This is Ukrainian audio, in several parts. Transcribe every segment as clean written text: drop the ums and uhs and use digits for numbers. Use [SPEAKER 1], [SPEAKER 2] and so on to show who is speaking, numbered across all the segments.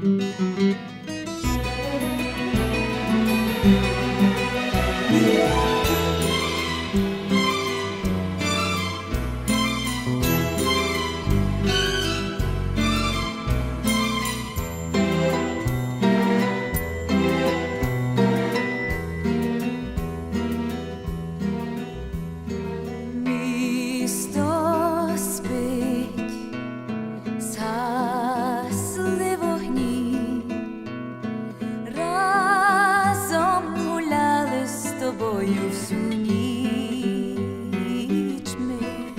[SPEAKER 1] Всю ніч ми,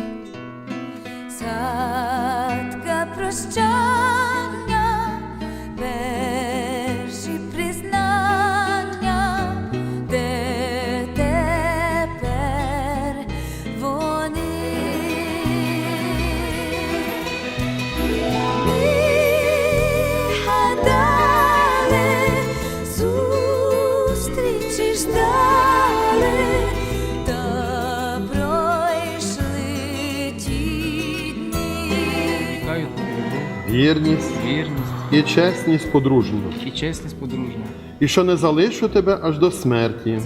[SPEAKER 1] згадка прощання, перші признання, де тепер вони. Ми гадали, зустрічі ждали,
[SPEAKER 2] вірність і чесність подружню. І що не залишу тебе аж до смерті.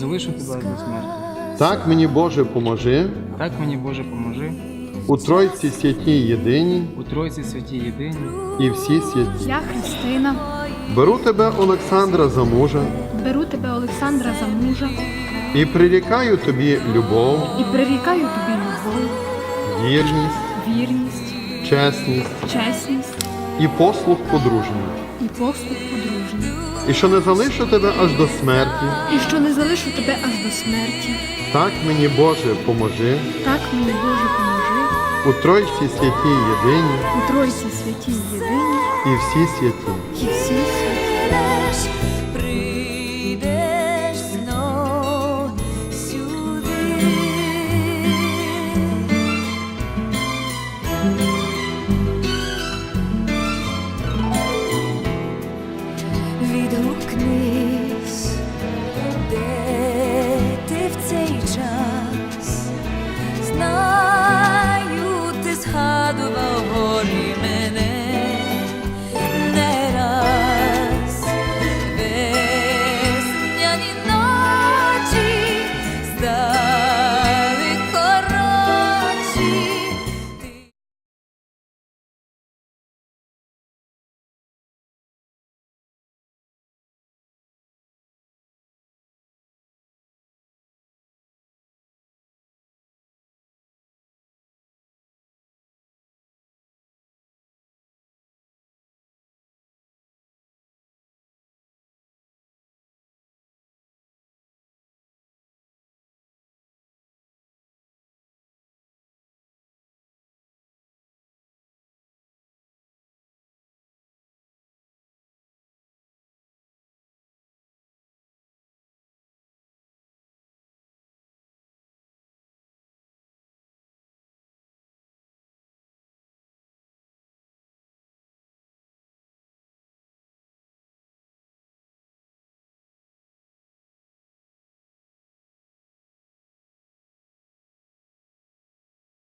[SPEAKER 2] Так мені, Боже, поможи. У Тройці святій єдиній. І всі святі.
[SPEAKER 3] Я Христина.
[SPEAKER 2] Беру тебе, Олександра, за мужа. І прирікаю тобі любов. Вірність. Чесність. І послуг подружній. І що не залишу тебе аж до смерті. Так мені, Боже, поможи. У Тройці святій єдиній. І всі святі.